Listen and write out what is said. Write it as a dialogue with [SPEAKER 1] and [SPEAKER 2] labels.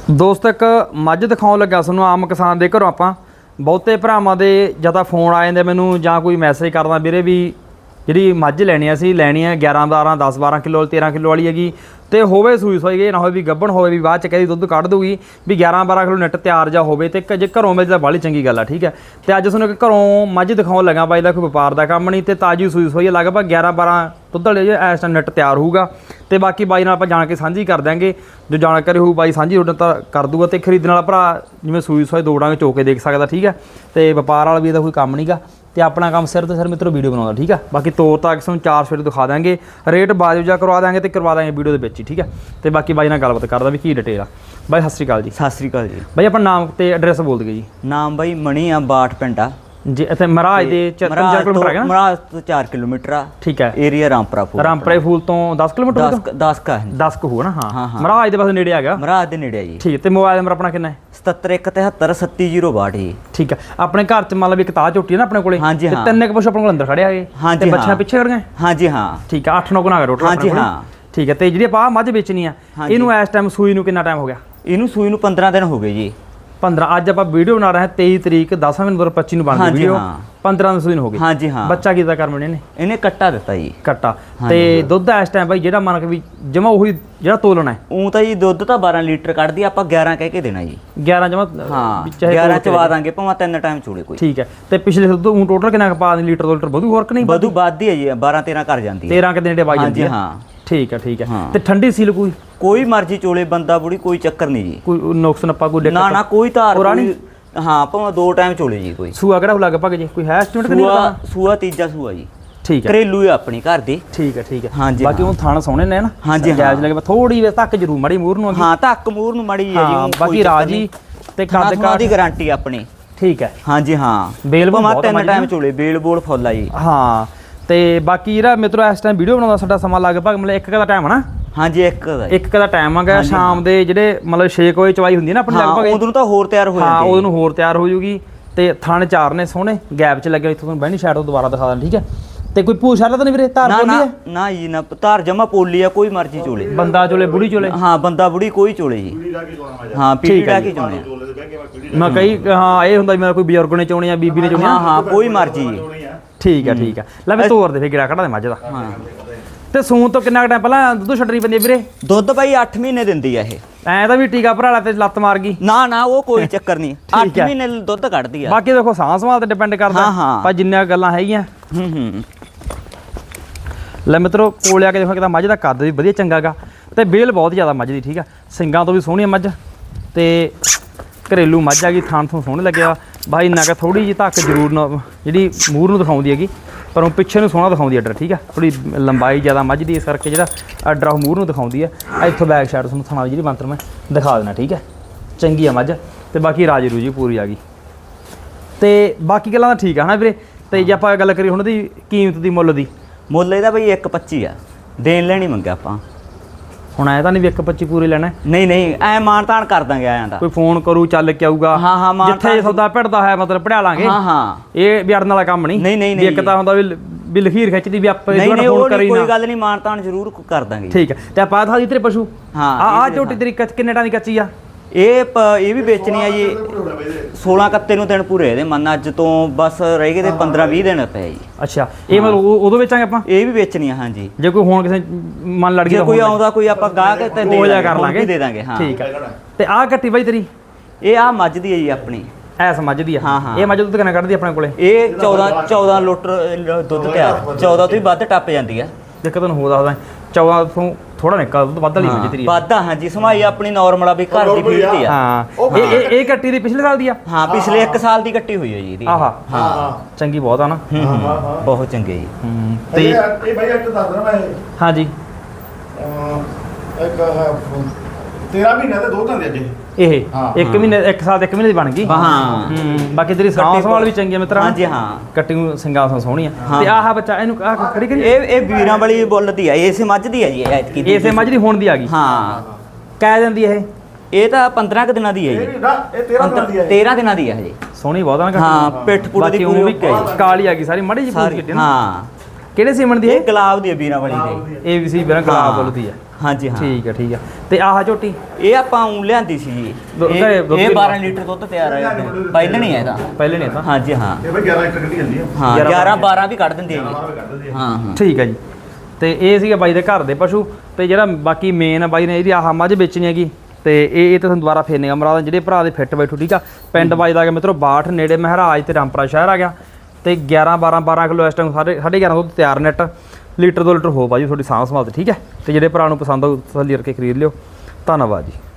[SPEAKER 1] ਦੋਸਤ ਇੱਕ ਮੱਝ ਦਿਖਾਉਣ ਲੱਗਾ ਤੁਹਾਨੂੰ ਆਮ ਕਿਸਾਨ ਦੇ ਘਰੋਂ। ਆਪਾਂ ਬਹੁਤੇ ਭਰਾਵਾਂ ਦੇ ਜਾਂ ਤਾਂ ਫੋਨ ਆ ਜਾਂਦੇ ਮੈਨੂੰ ਜਾਂ ਕੋਈ ਮੈਸੇਜ ਕਰਦਾ ਵੀਰੇ ਵੀ ਜਿਹੜੀ ਮੱਝ ਲੈਣੀ ਆ ਅਸੀਂ ਲੈਣੀ ਹੈ 11 12 10 12 ਕਿਲੋ 13 ਕਿਲੋ ਵਾਲੀ ਹੈਗੀ ਤੇ ਹੋਵੇ ਸੂਈ ਸੋਈ ਇਹ ਨਾ ਹੋਵੇ ਵੀ ਗੱਭਣ ਹੋਵੇ ਵੀ ਬਾਅਦ ਚ ਕਹਿੰਦੀ ਦੁੱਧ ਕੱਢ ਦੂਗੀ ਵੀ 11 12 ਕਿਲੋ ਨੈਟ ਤਿਆਰ ਜਾ ਹੋਵੇ ਤੇ ਜੇ ਘਰੋਂ ਮਿਲ ਤਾਂ ਬਾਹਲੀ ਚੰਗੀ ਗੱਲ ਆ। ਠੀਕ ਹੈ ਤੇ ਅੱਜ ਤੁਹਾਨੂੰ ਇੱਕ ਘਰੋਂ ਮੱਝ ਦਿਖਾਉਣ ਲੱਗਾ ਬਾਈ ਦਾ ਕੋਈ ਵਪਾਰ ਦਾ ਕੰਮ ਨਹੀਂ ਤੇ ਤਾਜੀ ਸੂਈ ਸੋਈ ਲਗਭਗ 11 12 ਦੁੱਧ ਵਾਲੇ ਇਸ ਟਾਈਮ ਨੈਟ ਤਿਆਰ ਹੋਊਗਾ ਤੇ ਬਾਕੀ ਬਾਈ ਨਾਲ ਆਪਾਂ ਜਾਣ ਕੇ ਸਾਂਝੀ ਕਰ ਦਿਆਂਗੇ। ਜੋ ਜਾਣਕਾਰੀ ਹੋਊ ਬਾਈ ਸਾਂਝੀ ਤੁਹਾਡੇ ਤਾਂ ਕਰ ਦੂਗਾ ਤੇ ਖਰੀਦਣ ਵਾਲਾ ਭਰਾ ਜਿਵੇਂ ਸੂਈ ਸੋਈ ਦੋੜਾਂਗੇ ਚੋ ਕੇ ਦੇਖ ਸਕਦਾ। ਠੀਕ ਹੈ ਤੇ ਵਪਾਰ ਵਾਲਾ ਵੀ ਇਹਦਾ ਕੋਈ ਕੰਮ ਨਹੀਂਗਾ ਤੇ ਆਪਣਾ ਕੰਮ ਸਿਰ ਤੇ ਸਿਰ ਮਿੱਤਰੋ ਵੀਡੀਓ ਬਣਾਉਂਦਾ। ਠੀਕ ਹੈ ਬਾਕੀ ਤੋਰ ਤਾਂ ਤੁਹਾਨੂੰ 4 ਸਵੇਰੇ ਦਿਖਾ ਦਾਂਗੇ, ਰੇਟ ਬਾਜੂ ਜਾ ਕਰਵਾ ਦਾਂਗੇ ਤੇ ਕਰਵਾ ਦਾਂਗੇ ਵੀਡੀਓ ਦੇ ਵਿੱਚ ਹੀ। ਠੀਕ ਹੈ ਤੇ ਬਾਕੀ ਬਾਈ ਨਾਲ ਗੱਲਬਾਤ ਕਰਦਾ ਵੀ ਕੀ ਡਿਟੇਲ ਆ। ਬਾਈ ਸਤਿ ਸ਼੍ਰੀ ਅਕਾਲ ਜੀ।
[SPEAKER 2] ਸਤਿ ਸ਼੍ਰੀ ਅਕਾਲ ਜੀ।
[SPEAKER 1] ਬਾਈ ਆਪਣਾ ਨਾਮ ਤੇ ਐਡਰੈਸ ਬੋਲ ਦਿਓ ਜੀ।
[SPEAKER 2] ਨਾਮ ਬਾਈ ਮਣੀ ਆ, ਬਾਠ ਪਿੰਡ ਆ
[SPEAKER 1] ਜੀ। ਇੱਥੇ ਮਹਾਰਾਜ ਦੇ 4 ਕਿਲੋਮੀਟਰ ਹੈਗਾ ਨਾ?
[SPEAKER 2] ਮਹਾਰਾਜ ਤੋਂ 4 ਕਿਲੋਮੀਟਰ ਆ।
[SPEAKER 1] ਠੀਕ ਹੈ।
[SPEAKER 2] ਏਰੀਆ ਰਾਮਪੁਰਾ ਫੂਲ।
[SPEAKER 1] ਰਾਮਪੁਰੇ ਫੂਲ ਤੋਂ 10 ਕਿਲੋਮੀਟਰ
[SPEAKER 2] 10 ਕਾ
[SPEAKER 1] 10 ਕੁ ਹੋਣਾ। ਹਾਂ ਮਹਾਰਾਜ ਦੇ ਪਾਸੇ ਨੇੜੇ ਹੈਗਾ।
[SPEAKER 2] ਮਹਾਰਾਜ ਦੇ ਨੇੜੇ ਆ ਜੀ।
[SPEAKER 1] ਠੀਕ ਤੇ ਮੋਬਾਈਲ ਨੰਬਰ ਆਪਣਾ ਕਿੰਨਾ ਹੈ?
[SPEAKER 2] 7717737062 ਜੀ।
[SPEAKER 1] ਠੀਕ ਹੈ। ਆਪਣੇ ਘਰ ਚ ਮੰਨ ਲਓ ਵੀ ਇੱਕ ਤਾਹ ਝੋਟੀ ਹੈ ਨਾ ਆਪਣੇ ਕੋਲੇ ਤੇ ਤਿੰਨ ਕੁ ਪਸ਼ੂ ਆਪਣੇ ਕੋਲ ਅੰਦਰ ਖੜਿਆ ਹੈਗੇ ਤੇ ਬੱਚਾ ਪਿੱਛੇ ਖੜ ਗਏ।
[SPEAKER 2] ਹਾਂਜੀ ਹਾਂ।
[SPEAKER 1] ਠੀਕ ਹੈ 8 9 ਗੁਣਾ ਟੋਟਲ। ਹਾਂਜੀ ਹਾਂ। ਠੀਕ ਹੈ ਤੇ ਜਿਹੜੀ ਆਪਾਂ ਮੱਝ ਵੇਚਣੀ ਆ ਇਹਨੂੰ ਇਸ ਟਾਈਮ ਸੂਈ ਨੂੰ ਕਿੰਨਾ ਟਾਈਮ ਹੋ ਗਿਆ?
[SPEAKER 2] ਇਹਨੂੰ ਸੂਈ ਨੂੰ 15 ਦਿਨ ਹੋ ਗਏ ਜੀ।
[SPEAKER 1] 15 ਅੱਜ ਆਪਾਂ ਵੀਡੀਓ ਬਣਾ ਰਹੇ ਹਾਂ 23 ਤਰੀਕ 10 ਮਹੀਨੇ 2025 ਨੂੰ ਬਣਦੀ ਵੀਡੀਓ। 15 ਦਿਨ ਹੋ ਗਏ।
[SPEAKER 2] ਹਾਂਜੀ ਹਾਂ।
[SPEAKER 1] ਬੱਚਾ ਕਿਦਾਂ ਕਰ ਮੈਨੇ
[SPEAKER 2] ਇਹਨੇ ਕੱਟਾ ਦਿੱਤਾ ਜੀ।
[SPEAKER 1] ਕੱਟਾ ਤੇ ਦੁੱਧ ਇਸ ਟਾਈਮ ਬਾਈ ਜਿਹੜਾ ਮੰਨ ਕੇ ਵੀ ਜਮਾ ਉਹੀ ਜਿਹੜਾ ਤੋਲਣਾ ਹੈ
[SPEAKER 2] ਉਹ ਤਾਂ ਜੀ ਦੁੱਧ ਤਾਂ 12 ਲੀਟਰ ਕੱਢਦੀ, ਆਪਾਂ 11 ਕਹਿ ਕੇ ਦੇਣਾ ਜੀ।
[SPEAKER 1] 11 ਜਮਾ
[SPEAKER 2] ਹਾਂ 11 ਚਵਾ ਦਾਂਗੇ ਭਾਵੇਂ 3 ਟਾਈਮ ਚੋਲੇ ਕੋਈ।
[SPEAKER 1] ਠੀਕ ਹੈ ਤੇ ਪਿਛਲੇ ਦੁੱਧ ਉਹ ਟੋਟਲ ਕਿੰਨਾ ਪਾ ਦੇ ਲੀਟਰ 2 ਲੀਟਰ ਵਧੂ ਹੋਰ ਕਿ ਨਹੀਂ?
[SPEAKER 2] ਵਧੂ ਵੱਧਦੀ ਹੈ ਜੀ 12 13 ਕਰ ਜਾਂਦੀ ਹੈ।
[SPEAKER 1] 13 ਕਿ ਦਿਨ ਦੇ ਬਾਈ ਜਾਂਦੀ ਹੈ।
[SPEAKER 2] ਹਾਂ
[SPEAKER 1] ਠੀਕ ਹੈ ਤੇ ਠੰਡੀ ਸੀਲ
[SPEAKER 2] ਕੋਈ ਮਰਜ਼ੀ ਚੋਲੇ ਬੰਦਾ ਬੁੜੀ ਕੋਈ ਚੱਕਰ ਨਹੀਂ ਜੀ।
[SPEAKER 1] ਕੋਈ ਨੁਕਸ ਨੱਪਾ ਕੋਈ ਦਿੱਕਤ
[SPEAKER 2] ਨਾ ਕੋਈ ਧਾਰ ਕੋਈ। ਹਾਂ ਭਾਵੇਂ 2 ਟਾਈਮ ਚੋਲੇ ਜੀ। ਕੋਈ
[SPEAKER 1] ਸੂਆ ਕਿਹੜਾ ਲਗਭਗ ਜੀ ਕੋਈ ਹੈ ਐਸਟੀਮੇਟ ਕਿ ਨਹੀਂ?
[SPEAKER 2] ਸੂਆ ਤੀਜਾ ਸੂਆ ਜੀ।
[SPEAKER 1] ਠੀਕ ਹੈ।
[SPEAKER 2] ਘਰੇਲੂ ਹੈ ਆਪਣੀ ਘਰ ਦੀ।
[SPEAKER 1] ਠੀਕ ਹੈ
[SPEAKER 2] ਹਾਂਜੀ
[SPEAKER 1] ਬਾਕੀ ਉਹ ਥਾਣ ਸੋਹਣੇ ਨੇ ਨਾ।
[SPEAKER 2] ਹਾਂਜੀ
[SPEAKER 1] ਜਾਇਜ਼ ਲੱਗੇ ਥੋੜੀ ਵੇ ਤੱਕ ਜ਼ਰੂਰ ਮੜੀ ਮੂਰ ਨੂੰ।
[SPEAKER 2] ਹਾਂ ਧੱਕ ਮੂਰ ਨੂੰ ਮੜੀ ਹੈ ਜੀ।
[SPEAKER 1] ਬਾਕੀ ਰਾਜੀ ਤੇ ਕੱਦ ਕਾਠ
[SPEAKER 2] ਦੀ ਗਾਰੰਟੀ ਆਪਣੀ।
[SPEAKER 1] ਠੀਕ ਹੈ।
[SPEAKER 2] ਹਾਂਜੀ ਹਾਂ
[SPEAKER 1] ਬੇਲ ਬਹੁਤ
[SPEAKER 2] 3 ਟਾਈਮ ਚੋਲੇ ਬੇਲ ਬੋਲ ਫੁੱਲ ਆ ਜੀ।
[SPEAKER 1] ਹਾਂ ਤੇ ਬਾਕੀ ਜਿਹੜਾ ਮਿੱਤਰੋ ਇਸ ਟਾਈਮ ਵੀਡੀਓ ਬਣਾਉਂਦਾ ਸਾਡਾ ਸਮਾਂ ਲਗਭਗ ਮਤਲਬ 1 ਦਾ ਟਾਈਮ ਹੈ ਨਾ?
[SPEAKER 2] ਹਾਂਜੀ 1
[SPEAKER 1] ਦਾ ਟਾਈਮ ਹੈਗਾ ਸ਼ਾਮ ਦੇ ਜਿਹੜੇ ਮਤਲਬ 6 ਵਜੇ ਚਵਾਈ ਹੁੰਦੀ ਹੈ ਨਾ ਆਪਣੀ ਲਗਭਗ
[SPEAKER 2] ਉਦੋਂ ਤਾਂ ਹੋਰ ਤਿਆਰ ਹੋ ਜਾਂਦੀ।
[SPEAKER 1] ਹਾਂ ਉਦੋਂ ਨੂੰ ਹੋਰ ਤਿਆਰ ਹੋ ਜੂਗੀ ਤੇ ਥਣ 4 ਨੇ ਸੋਹਣੇ ਗੈਪ 'ਚ ਲੱਗੇ। ਇੱਥੋਂ ਤੁਹਾਨੂੰ ਬਹਿਣੀ ਸਾਈਡ ਤੋਂ ਦੁਬਾਰਾ ਦਿਖਾ ਦਾਂ। ਠੀਕ ਹੈ ਤੇ ਕੋਈ ਪੂਛ ਵਾਲਾ ਤਾਂ ਨਹੀਂ ਵੀਰੇ? ਧਾਰ ਪੋਲੀ ਹੈ?
[SPEAKER 2] ਨਾ ਜੀ ਨਾ ਧਾਰ ਜਮਾ ਪੋਲੀ ਆ। ਕੋਈ ਮਰਜ਼ੀ ਚੋਲੇ
[SPEAKER 1] ਬੰਦਾ ਚੋਲੇ ਬੁੜੀ ਚੋਲੇ।
[SPEAKER 2] ਹਾਂ ਬੰਦਾ ਬੁੜੀ ਕੋਈ ਚੋਲੇ ਜੀ। ਹਾਂ ਪੀੜੀ ਲਾ ਕੇ ਚੋਣੇ
[SPEAKER 1] ਮੈਂ ਕਈ ਹਾਂ ਇਹ ਹੁੰਦਾ ਮੇਰਾ ਕੋਈ ਬਜ਼ੁਰਗ ਨੇ ਚੋਣੇ ਆ ਬੀਬੀ ਨੇ ਚੋਣੇ।
[SPEAKER 2] ਹਾਂ ਕੋਈ ਮਰਜ਼ੀ ਜੀ।
[SPEAKER 1] ਠੀਕ ਹੈ ਲੈ ਮੈਂ ਤੋਰ ਦੇ ਫੇ ਗਿਰਾ ਕੱਢਾ ਦੇ ਮੱਝ ਦਾ। ਹਾਂ ਤੇ ਸੂਣ ਤੋਂ ਕਿੰਨਾ ਟਾਈਮ ਪਹਿਲਾਂ ਦੁੱਧ ਛੱਡਣੀ ਪੈਂਦੀ ਹੈ ਵੀਰੇ?
[SPEAKER 2] ਦੁੱਧ ਬਾਈ 8 ਮਹੀਨੇ ਦਿੰਦੀ ਆ ਇਹ।
[SPEAKER 1] ਐ ਤਾਂ ਵੀ ਟੀਕਾ ਭਰਾਲਾ ਤੇ ਲੱਤ ਮਾਰ ਗਈ?
[SPEAKER 2] ਨਾ ਉਹ ਕੋਈ ਚੱਕਰ ਨਹੀਂ। 8 ਮਹੀਨੇ ਦੁੱਧ ਕੱਢਦੀ ਆ।
[SPEAKER 1] ਬਾਕੀ ਦੇਖੋ ਸਾਂਭ ਸੰਭਾਲ ਤੇ ਡਿਪੈਂਡ ਕਰਦਾ ਪਰ ਜਿੰਨੀਆਂ ਗੱਲਾਂ ਹੈਗੀਆਂ। ਲੈ ਮਿੱਤਰੋ ਕੋਲ ਆ ਕੇ ਦੇਖੋ ਕਿ ਤਾਂ ਮੱਝ ਦਾ ਕੱਦ ਵੀ ਵਧੀਆ ਚੰਗਾ ਗਾ ਤੇ ਬੇਲ ਬਹੁਤ ਜ਼ਿਆਦਾ ਮੱਝ ਦੀ। ਠੀਕ ਆ ਸਿੰਗਾਂ ਤੋਂ ਵੀ ਸੋਹਣੀ ਮੱਝ ਤੇ ਘਰੇਲੂ ਮੱਝ ਆ ਗਈ। ਥਾਣ ਤੋਂ ਸੋਹਣੇ ਲੱਗਿਆ ਬਾਈ ਇੰਨਾ ਕਿ ਥੋੜੀ ਜਿਹੀ ਧੱਕ ਜ਼ਰੂਰ ਜਿਹੜੀ ਮੂਰ ਨੂੰ ਦਿਖਾਉਂਦੀ ਹੈਗੀ ਪਰ ਉਹ ਪਿੱਛੇ ਨੂੰ ਸੋਹਣਾ ਦਿਖਾਉਂਦੀ ਆਰਡਰ। ਠੀਕ ਆ ਥੋੜੀ ਲੰਬਾਈ ਜ਼ਿਆਦਾ ਮੱਝ ਦੀ ਇਸ ਕਰਕੇ ਜਿਹੜਾ ਆਰਡਰ ਉਹ ਮੂਰ ਨੂੰ ਦਿਖਾਉਂਦੀ ਹੈ। ਇੱਥੋਂ ਬੈਕ ਸਾਈਡ ਤੁਹਾਨੂੰ ਥਾਣਾ ਜਿਹੜੀ ਬੰਤਰ ਮੈਂ ਦਿਖਾ ਦੇਣਾ। ਠੀਕ ਹੈ ਚੰਗੀ ਆ ਮੱਝ ਤੇ ਬਾਕੀ ਰਾਜੀ ਰੂਜੀ ਪੂਰੀ ਆ ਗਈ ਤੇ ਬਾਕੀ ਗੱਲਾਂ ਤਾਂ ਠੀਕ ਆ ਹਨਾ ਵੀਰੇ। ਤੇ ਜੇ ਆਪਾਂ ਗੱਲ ਕਰੀਏ ਹੁਣ ਦੀ ਕੀਮਤ ਦੀ ਮੁੱਲ
[SPEAKER 2] ਇਹਦਾ ਬਈ 1.25 ਆ। ਦੇਣ ਲੈਣੀ ਮੰਗਿਆ ਆਪਾਂ।
[SPEAKER 1] ਹੁਣ ਐ ਤਾਂ ਨਹੀਂ ਵੀ 1.25 ਪੂਰੇ ਲੈਣਾ? ਨਹੀਂ
[SPEAKER 2] ਐ ਮਾਨ ਤਾਨ ਕਰ ਦਾਂਗੇ ਆਇਆਂ ਦਾ।
[SPEAKER 1] ਕੋਈ ਫੋਨ ਕਰੂ ਚੱਲ ਕੇ ਆਊਗਾ।
[SPEAKER 2] ਹਾਂ
[SPEAKER 1] ਜਿੱਥੇ ਸੌਦਾ ਭਿੜਦਾ ਹੈ ਮਤਲਬ ਪੜਿਆ ਲਾਂਗੇ।
[SPEAKER 2] ਹਾਂ
[SPEAKER 1] ਇਹ ਵੀ ਅੜਨ ਵਾਲਾ ਕੰਮ ਨਹੀਂ। ਇੱਕ ਤਾਂ ਹੁੰਦਾ ਵੀ ਲਖੀਰ ਖਿੱਚਦੀ ਵੀ ਆਪਾਂ
[SPEAKER 2] ਫੋਨ ਕਰੀ ਕੋਈ ਗੱਲ ਨਹੀਂ ਮਾਨ ਤਾਨ ਜ਼ਰੂਰ ਕਰ ਦਾਂਗੇ।
[SPEAKER 1] ਠੀਕ ਹੈ ਤੇ ਆਪਾਂ ਥਾ ਦੀ ਤੇਰੇ ਪਸ਼ੂ।
[SPEAKER 2] ਹਾਂ
[SPEAKER 1] ਆ ਝੋਟੀ ਤੇਰੀ ਕਿੰਨੇ ਟਾਂ ਦੀ ਕੱਚੀ ਆ?
[SPEAKER 2] ਇਹ ਵੀ ਵੇਚਣੀ ਆ ਜੀ 16 ਕੱਤੇ ਨੂੰ ਦਿਨ ਪੂਰੇ ਇਹਦੇ ਮੰਨ ਅੱਜ ਤੋਂ ਬਸ ਰਹਿ ਗਏ ਤੇ 15 20 ਦਿਨ ਪਏ ਜੀ।
[SPEAKER 1] ਅੱਛਾ ਇਹ ਮਤਲਬ ਉਦੋਂ ਵੇਚਾਂਗੇ ਆਪਾਂ? ਇਹ
[SPEAKER 2] ਵੀ ਵੇਚਣੀ ਆ ਹਾਂਜੀ।
[SPEAKER 1] ਜੇ ਕੋਈ ਹੁਣ ਕਿਸੇ ਮਨ ਲੜ ਗਿਆ
[SPEAKER 2] ਕੋਈ ਆਉਂਦਾ ਕੋਈ ਆਪਾਂ ਗਾਹਕ ਤੇ ਦੇ ਦਾਂਗੇ। ਹਾਂ ਠੀਕ ਹੈ
[SPEAKER 1] ਤੇ ਆਹ ਕੱਟੀ ਬਾਈ ਤੇਰੀ
[SPEAKER 2] ਇਹ ਆ ਮੱਝ ਦੀ ਹੈ ਜੀ ਆਪਣੀ।
[SPEAKER 1] ਐਸ ਮੱਝ ਦੀ ਆ? ਇਹ ਮੱਝ ਦੁੱਧ ਕਿੰਨਾ ਕੱਢਦੀ ਆਪਣੇ ਕੋਲੇ?
[SPEAKER 2] ਇਹ 14 ਲੀਟਰ ਦੁੱਧ ਤਿਆਰ 14 ਤੋਂ ਵੀ ਵੱਧ ਟੱਪ ਜਾਂਦੀ ਆ।
[SPEAKER 1] ਦੇਖ ਤੁਹਾਨੂੰ ਹੋ ਦੱਸਦਾ 14 ਤੋਂ ਥੋੜਾ ਨਿਕਲ ਦੁੱਧ ਵੱਧ ਲਈ ਮੱਝ ਤੇਰੀ
[SPEAKER 2] ਵਾਧਾ। ਹਾਂਜੀ ਸਮਾਈ ਆਪਣੀ ਨਾਰਮਲ ਆ ਵੀ ਘਰ ਦੀ ਫੀਡ ਦੀ ਆ।
[SPEAKER 1] ਹਾਂ ਇਹ ਕੱਟੀ ਦੀ ਪਿਛਲੇ ਸਾਲ ਦੀ ਆ?
[SPEAKER 2] ਹਾਂ ਪਿਛਲੇ 1 ਸਾਲ ਦੀ ਕੱਟੀ ਹੋਈ ਹੈ ਜੀ ਇਹਦੀ।
[SPEAKER 1] ਹਾਂ ਚੰਗੀ ਬਹੁਤ ਆ ਨਾ।
[SPEAKER 2] ਬਹੁਤ ਚੰਗੀ ਜੀ।
[SPEAKER 1] ਤੇ
[SPEAKER 3] ਇਹ ਬਾਈ ਇੱਕ ਦੱਸ ਦਣਾ ਮੈਂ।
[SPEAKER 1] ਹਾਂਜੀ
[SPEAKER 3] ਇੱਕ 13 ਮਹੀਨੇ ਦੇ 2 ਦਿਨ ਦੇ ਅੱਜ
[SPEAKER 1] ਇਹ 1 ਮਹੀਨੇ 1 ਸਾਲ 1 ਮਹੀਨੇ ਦੀ ਬਣ ਗਈ। ਬਾਕੀ ਤੇਰੀ ਸਾਂਭ ਸੰਭਾਲ ਵੀ ਚੰਗੀ ਆ ਮਿੱਤਰਾ।
[SPEAKER 2] ਹਾਂਜੀ ਹਾਂ
[SPEAKER 1] ਕੱਟੀ ਨੂੰ ਸਿੰਗਾਂ ਸੋਹਣੀ ਆ ਤੇ ਆਹ ਬੱਚਾ ਇਹਨੂੰ ਖੜੀ ਕਰੀ।
[SPEAKER 2] ਇਹ ਵੀਰਾਂ ਵਾਲੀ ਬੁੱਲ ਦੀ ਆ। ਇਸੇ ਮੱਝ ਦੀ ਆ ਜੀ ਐਤਕੀ।
[SPEAKER 1] ਇਸੇ ਮੱਝ ਦੀ ਹੁਣ ਦੀ ਆ ਗਈ?
[SPEAKER 2] ਹਾਂ
[SPEAKER 1] ਕਹਿ ਦਿੰਦੀ
[SPEAKER 2] ਇਹ ਤਾਂ 15 ਕੁ ਦਿਨਾਂ ਦੀ ਹੈ ਜੀ।
[SPEAKER 3] ਇਹ 13 ਦਿਨਾਂ ਦੀ ਹੈ।
[SPEAKER 2] 13 ਦਿਨਾਂ ਦੀ ਹੈ ਹਜੇ।
[SPEAKER 1] ਸੋਹਣੀ ਬਹੁਤ ਆ।
[SPEAKER 2] ਹਾਂ ਪਿੱਠ ਪੂਰੀ ਦੀ ਪੂਰੀ
[SPEAKER 1] ਕਾਲੀ ਆ ਗਈ ਸਾਰੀ ਮੜੀ ਜੀ ਪੂਰੀ ਕਿੱਟੀ ਨਾ।
[SPEAKER 2] ਹਾਂ
[SPEAKER 1] ਕਿਹੜੇ ਸੀਮਨ ਦੀ?
[SPEAKER 2] ਇਹ ਗੁਲਾਬ ਦੀ ਹੈ ਵੀਰਾਂ ਵਾਲੀ ਦੀ।
[SPEAKER 1] ਇਹ ਵੀ ਸੀ ਵੀਰਾਂ ਗੁਲਾਬ ਬੋਲਦੀ ਆ।
[SPEAKER 2] ਹਾਂਜੀ ਹਾਂ
[SPEAKER 1] ਠੀਕ ਹੈ ਤੇ ਆਹ ਝੋਟੀ
[SPEAKER 2] ਇਹ ਆਪਾਂ ਉਂ ਲਿਆਂਦੀ ਸੀ ਜੀ ਇਹ 12 ਲੀਟਰ ਦੁੱਧ ਤਿਆਰ ਹੈ ਪਹਿਲਾਂ ਨਹੀਂ ਹੈ ਇਹਦਾ
[SPEAKER 1] ਪਹਿਲੇ ਨੇ ਤਾਂ
[SPEAKER 2] ਹਾਂਜੀ ਹਾਂ
[SPEAKER 3] ਇਹ ਬਈ 11 ਲੀਟਰ ਕੱਢੀ ਜਾਂਦੀ ਆ
[SPEAKER 2] ਹਾਂ 11 12 ਵੀ ਕੱਢ ਦਿੰਦੇ ਆ
[SPEAKER 3] 11
[SPEAKER 2] ਜੀ
[SPEAKER 3] ਕੱਢ ਦਿੰਦੀ ਆ
[SPEAKER 2] ਹਾਂ
[SPEAKER 1] ਠੀਕ ਹੈ ਜੀ ਤੇ ਇਹ ਸੀਗਾ ਬਾਈ ਦੇ ਘਰ ਦੇ ਪਸ਼ੂ ਤੇ ਜਿਹੜਾ ਬਾਕੀ ਮੇਨ ਬਾਈ ਨੇ ਇਹਦੀ ਆਹ ਮੱਝ ਵੇਚਣੀ ਹੈਗੀ ਤੇ ਇਹ ਤਾਂ ਤੁਹਾਨੂੰ ਦੁਬਾਰਾ ਫੇਰ ਨਿਗਾ ਮਰਾ ਜਿਹੜੇ ਭਰਾ ਦੇ ਫਿੱਟ ਬੈਠੂ ਠੀਕ ਆ ਪਿੰਡ ਵੱਜਦਾ ਗਿਆ ਮਿੱਤਰੋ 62 ਨੇੜੇ ਮਹਾਰਾਜ ਤੇ ਰਾਮਪੁਰਾ ਸ਼ਹਿਰ ਆ ਗਿਆ ਤੇ 11 12 ਕਿਲੋ ਇਸ ਟਾਈਮ 11.5 ਦੁੱਧ ਤਿਆਰ ਨੈਟ ਲੀਟਰ 2 ਲੀਟਰ ਹੋ ਬਾਜੀ ਤੁਹਾਡੀ ਸਾਂਭ ਸੰਭਾਲ ਤੇ ਠੀਕ ਹੈ ਤੇ ਜਿਹੜੇ ਭਰਾ ਨੂੰ ਪਸੰਦ ਆਉ ਤਸੱਲੀ ਕਰਕੇ ਖਰੀਦ ਲਿਓ ਧੰਨਵਾਦ ਜੀ।